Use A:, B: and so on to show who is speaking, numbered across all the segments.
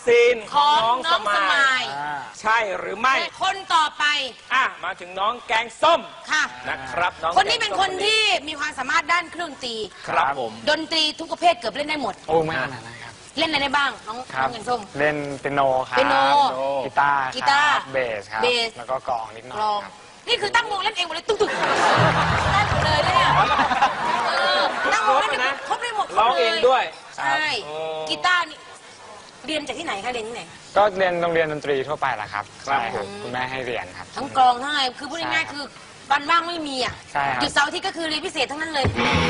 A: ซีน
B: ของ
A: น้องสมายใช่หรือไม่
B: คนต่อไป
A: มาถึงน้องแกงส้ม
B: ค่ะ
A: นะครับน้อง
B: คนนี้เป็นคนที่มีความสามารถด้านเครื่องดนตรี
A: ครับผม
B: ดนตรีทุกประเภทเกือบเล่นได้หมด
C: โอ้ไม่ขนาดนั้นครับ
B: เล่นอะไรได้บ้างน้องแกงส้ม
C: เล่นเปียโนครับ
B: เปียโน
C: กีตาร์เบสครับแล้วก็กลองนิดหน่อยครับ
B: นี่คือตั้งวงเล่นเองหมดเลยตุ๊กได้หมดเลยเนี่ยตั้งวงเล่นครบได้หมด
A: ร้องเองด้วย
B: ใช่กีตาร์นี่เรียนจากที่ไหนคะเรียนที่ไหน
C: ก็เรียนโรงเรียนดนตรีทั่วไปแหละครับใช่ครับคุณแม่ให้เรียนครับ
B: ทั้งกลองทั้งอะไรคือพูดง่ายๆคือวันว่างไม่มีอ่ะหยุดเสาร์อาทิตย์ก็คือเรียนพิเศษทั้งนั้นเลย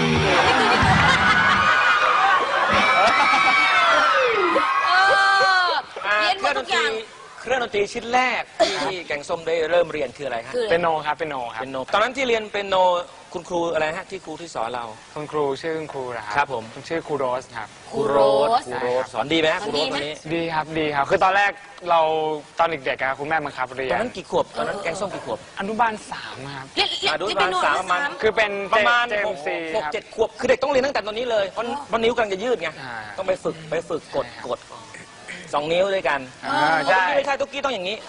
B: เรียนหมดทุกอย่าง
A: เครื่องดนตรีชิ้นแรกที่แกงส้มได้เริ่มเรียนคืออะไรครับ
C: เปียโนครับเปียโน
A: ตอนนั้นที่เรียนเปียโนคุณครูอะไรฮะที่ครูที่สอนเรา
C: คุณครูชื่อคุณครู
A: ครับผม
C: ชื่อครูโรสครับ
A: ครูโรสสอนดีไหมครูโรสคนนี้
C: ดีครับคือตอนแรกเราตอนเด็กๆคุณแม่บังคับเรียน
A: ตอนนั้นกี่ขวบตอนนั้นแกงส้มกี่ขวบ
C: อนุบาล3ครับ
A: อนุบาล3ประมาณ
C: คือเป็น
A: ประมาณ
C: 6-7
A: ขวบคือเด็กต้องเรียนตั้งแต่ตอนนี้เลยเพราะนิ้วกำลังจะยืดไงต้องไปฝึกกด2 นิ้วด้วยกัน
C: ใช่
A: ไม่ใช่ตุ๊กกี้ต้องอย่างนี้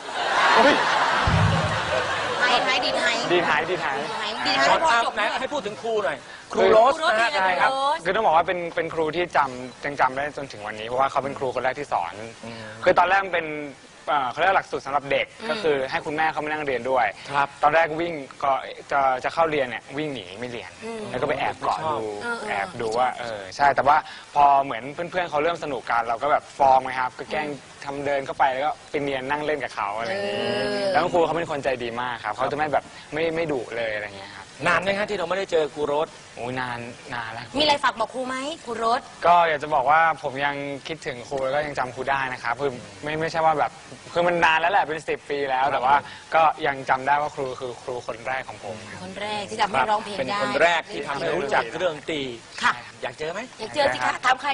C: ดีไทย
A: ให้พูดถึงครูหน่อยครูโรสนะ
C: ใช่ครับคือต้องบอกว่าเป็นครูที่จำได้จนถึงวันนี้เพราะว่าเขาเป็นครูคนแรกที่สอนคือตอนแรกเป็นเขาเรียกหลักสูตรสำหรับเด็กก็คือให้คุณแม่เขามานั่งเรียนด้วยตอนแรกวิ่งก็จะเข้าเรียนเนี่ยวิ่งหนีไม่เรียนแล้วก็ไปแอบเกาะดูว่าใช่แต่ว่าพอเหมือนเพื่อนๆเขาเริ่มสนุกกันเราก็แบบฟอร์มไงครับก็แกล้งทำเดินเข้าไปแล้วก็ไปเนียนนั่งเล่นกับเขาอะไรอย่างนี้แล้วครูเขาเป็นคนใจดีมากครับเขาจะไม่แบบไม่ดุเลยอะไรอย่างเงี้ยครับ
A: นานไหมฮะที่เราไม่ได้เจอครูโรส
C: โอ้ยนานแล้ว
B: มีอะไรฝากบอกครูไหมครูโรส
C: ก็อยากจะบอกว่าผมยังคิดถึงครูแล้วก็ยังจำครูได้นะครับคือไม่ใช่ว่าแบบคือมันนานแล้วแหละเป็น10 ปีแล้วแต่ว่าก็ยังจำได้ว่าครูคือครูคนแรกของผม
B: คนแรกที่ทำให้ร้องเพลงได้
A: เป็นคนแรกที่ทำให้รู้จักเรื่องตี
B: ค่ะ
A: อยากเจอไหม
B: อยากเจอสิคะถามใคร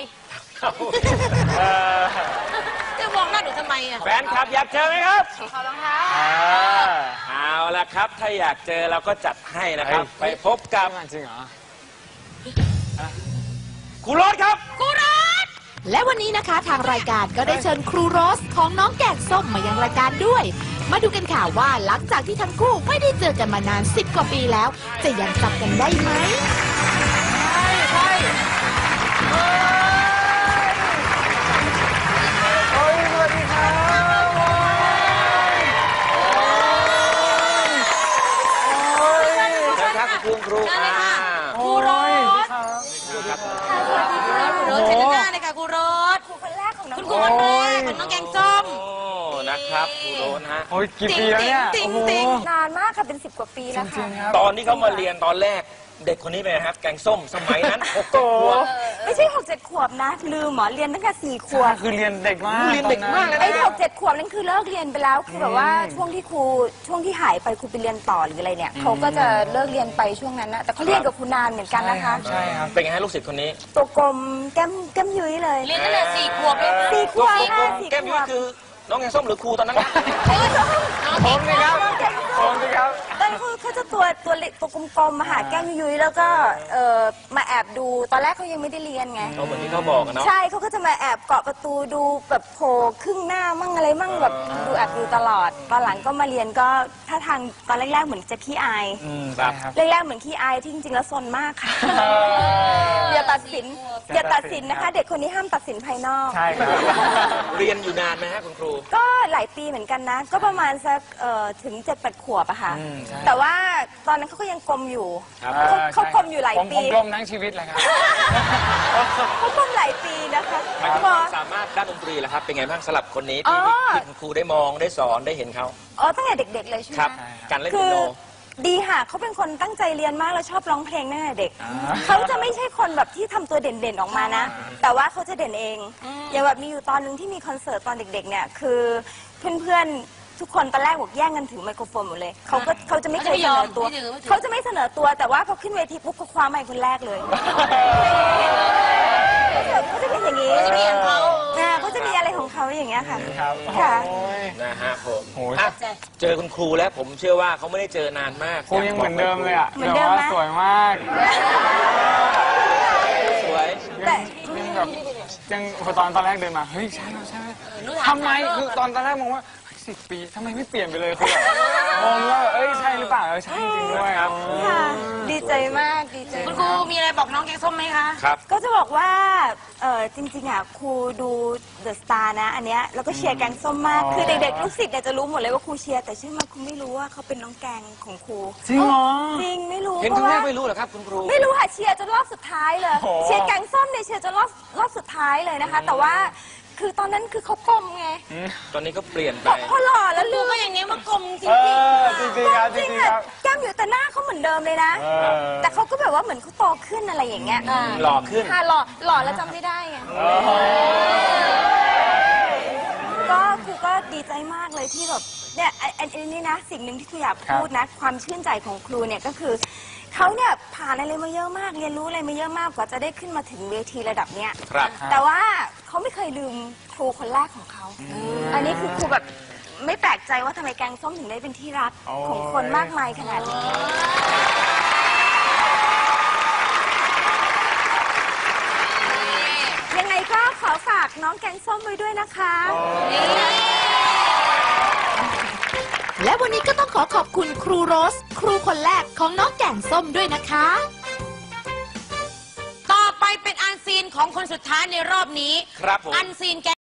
B: จะมองหน้าหนูทำไมอ่ะ
A: แฟนคลับอยากเจอไหมครับ
B: ขอรองเท้า
A: เอาละครับถ้าอยากเจอเราก็จัดให้นะครับไปพบกับ
C: จริงเหรอ
A: ครูโรสครับ
B: ครูโรส
D: และวันนี้นะคะทางรายการก็ได้เชิญครูโรสของน้องแกงส้มมายังรายการด้วยมาดูกันค่ะว่าหลังจากที่ทั้งคู่ไม่ได้เจอกันมานาน10 กว่าปีแล้วจะยังจำกันได้ไหม
A: ใช่คุณครู
B: ครูโรสเชิญหน้าเลยค่ะครูโรสครูคนแรกของน้องคุณครูคนแรกของน้องแกงส้ม
A: นะครับครูโรสฮะ
C: โอ้ยกี่ปีแล้วเนี่ย
E: นานมากค่ะเป็น10 กว่าปีแล้วค่ะ
A: ตอนที่เขามาเรียนตอนแรกเด็กคนนี้เป็นครับแกงส้มสมัยนั้น6 ขวบ
E: ไม่ใช่6-7 ขวบนะลืมหมอเรียนตั้งแต่4 ขวบ
C: คือเรียนเด็กมาก
E: ไอ้6-7 ขวบนั่นคือเลิกเรียนไปแล้วคือแบบว่าช่วงที่หายไปครูไปเรียนต่อหรืออะไรเนี่ยเขาก็จะเลิกเรียนไปช่วงนั้นนะแต่เขาเรียนกับครูนานเหมือนกันนะคะ
C: ใช่ครับ
A: เป็นไงฮะลูกศิษย์คนนี้
E: ตัวกลมแก้มยุ้ยเลย
B: เรียนตั้งแต่4 ขวบเลย
E: 4 ขวบ
A: แก้มยุ้ยคือน้องแกงส้มหรือครูตอนนั้น
C: ผมสิครับ
E: ตอนเขาจะตัวเล็กตัวกลมๆมาหาแก้มยุ้ยแล้วก็มาแอบดูตอนแรกเขายังไม่ได้เรียนไง
A: เหมือนที่เขาบอกกันเนาะ
E: ใช่เขาก็จะมาแอบเกาะประตูดูแบบโผล่ครึ่งหน้ามั่งอะไรมั่งแบบดูแอบดูตลอดตอนหลังก็มาเรียนก็ท่าทางตอนแรกๆเหมือนจะขี้อายแรกๆเหมือนขี้อายที่จริงๆแล้วซนมากค่ะอย่าตัดสินนะคะเด็กคนนี้ห้ามตัดสินภายนอก
C: ใช่ครับ
A: เรียนอยู่นานไหมฮะคุณครู
E: ก็หลายปีเหมือนกันนะก็ประมาณสักถึง7-8 ขวบอะค่ะแต่ว่าตอนนั้นเขาก็ยังกลมอยู่เขากลมอยู่หลายปี
C: ผมกลมทั้งชีวิตเลยครับ
E: เขากลมหลายปีนะคะ
A: ความสามารถด้านดนตรีล่ะครับเป็นไงบ้างสำหรับคนนี้ที่คุณครูได้มองได้สอนได้เห็นเขา
E: ตั้งแต่เด็กๆเลยใช่ไหม
A: การเล่นเปียโน
E: ดีค่ะเขาเป็นคนตั้งใจเรียนมากแล้วชอบร้องเพลงตั้งแต่เด็กเขาจะไม่ใช่คนแบบที่ทำตัวเด่นๆออกมานะแต่ว่าเขาจะเด่นเองอย่างแบบมีอยู่ตอนนึงที่มีคอนเสิร์ตตอนเด็กๆเนี่ยคือเพื่อนๆทุกคนตอนแรกบอกแย่งกันถือไมโครโฟนหมดเลยเขาจะไม่เคยเสนอตัวเขาจะไม่เสนอตัวแต่ว่าพอขึ้นเวทีปุ๊บเขาคว้าไมค์คนแรกเลยเขาจะเป็นอย่างนี้เขาจะมีอะไรของเขาอย่างเงี้ยค่ะ
A: ค่ะนะฮะผมเจอคุณครูแล้วผมเชื่อว่าเขาไม่ได้เจอนานมาก
C: ครูยังเหมือนเดิมเลยอ่ะ
E: เหมือนเดิมนะ
C: สวยมาก
A: สวย
C: แต่ยังพอตอนแรกเดินมาเฮ้ยใช่ไหมใช่ไหมทำไมคือตอนแรกมองว่า10 ปีทำไมไม่เปลี่ยนไปเลยคือแบบงงว่าเอ้ยใช่หรือเปล่าใช่จริงด้วยครับ
E: ค่ะ ดีใจมากดีใจ
B: คุณครูมีอะไรบอกน้องแกงส้มไหมคะ
A: ครับ
E: ก็จะบอกว่าจริงๆอ่ะครูดูเดอะสตาร์นะอันเนี้ยแล้วก็เชียร์แกงส้มมากคือเด็กๆลูกศิษย์เนี่ยจะรู้หมดเลยว่าครูเชียร์แต่เชื่อไหมครูไม่รู้ว่าเขาเป็นน้องแกงของครู
C: จริงเหรอ
E: จริงไม่รู้
A: เห็น
E: เพ
A: ครั้
E: ราะ
A: งแร
E: ว่าก
A: ไม่รู้เหรอครับคุณครู
E: ไม่รู้ค่ะเชียร์จนรอบสุดท้ายเลย
C: โอ้โห
E: เชียร์แกงส้มเนี่ยเชียร์จนรอบสุดท้ายเลยนะคะ แต่ว่าคือตอนนั้นคือเขากลมไง
A: ตอนนี้ก็เปลี่ยนไป
E: พอหล่อแล้ว
B: ดู
E: ลืม
B: ก็อย่างเงี้ยมากลมจริ
C: เอง อจริงๆครับจ
E: จริง
C: ริงๆ
E: อะ
C: ครับ
E: แก้มอยู่แต่หน้าเขาเหมือนเดิมเลยนะ แต่เขาก็แบบว่าเหมือนเขาโตขึ้นอะไรอย่างเงี้ย
A: หล่อขึ้น
E: ค่ะหล่อแล้วจำไม่ได้ไงก็ครูก็ดีใจมากเลยที่แบบเนี่ยอันนี้นะสิ่งหนึ่งที่ครูอยากพูดนะ ความชื่นใจของครูเนี่ยก็คือเขาเนี่ยผ่านอะไรมาเยอะมากเรียนรู้อะไรมาเยอะมากกว่าจะได้ขึ้นมาถึงเวทีระดับเนี้ย
A: ครับ
E: แต่ว่าเขาไม่เคยลืมครูคนแรกของเขา อันนี้คือครูแบบไม่แปลกใจว่าทำไมแกงส้มถึงได้เป็นที่รักของคนมากมายขนาดนี้ ยังไงก็ขอฝากน้องแกงส้มไว้ด้วยนะคะ
D: และวันนี้ก็ต้องขอบคุณครูโรส ครูคนแรกของน้องแก่งส้มด้วยนะคะ
B: ต่อไปเป็นอันซีนของคนสุดท้ายในรอบนี้
A: ครับผม
B: อันซีนแก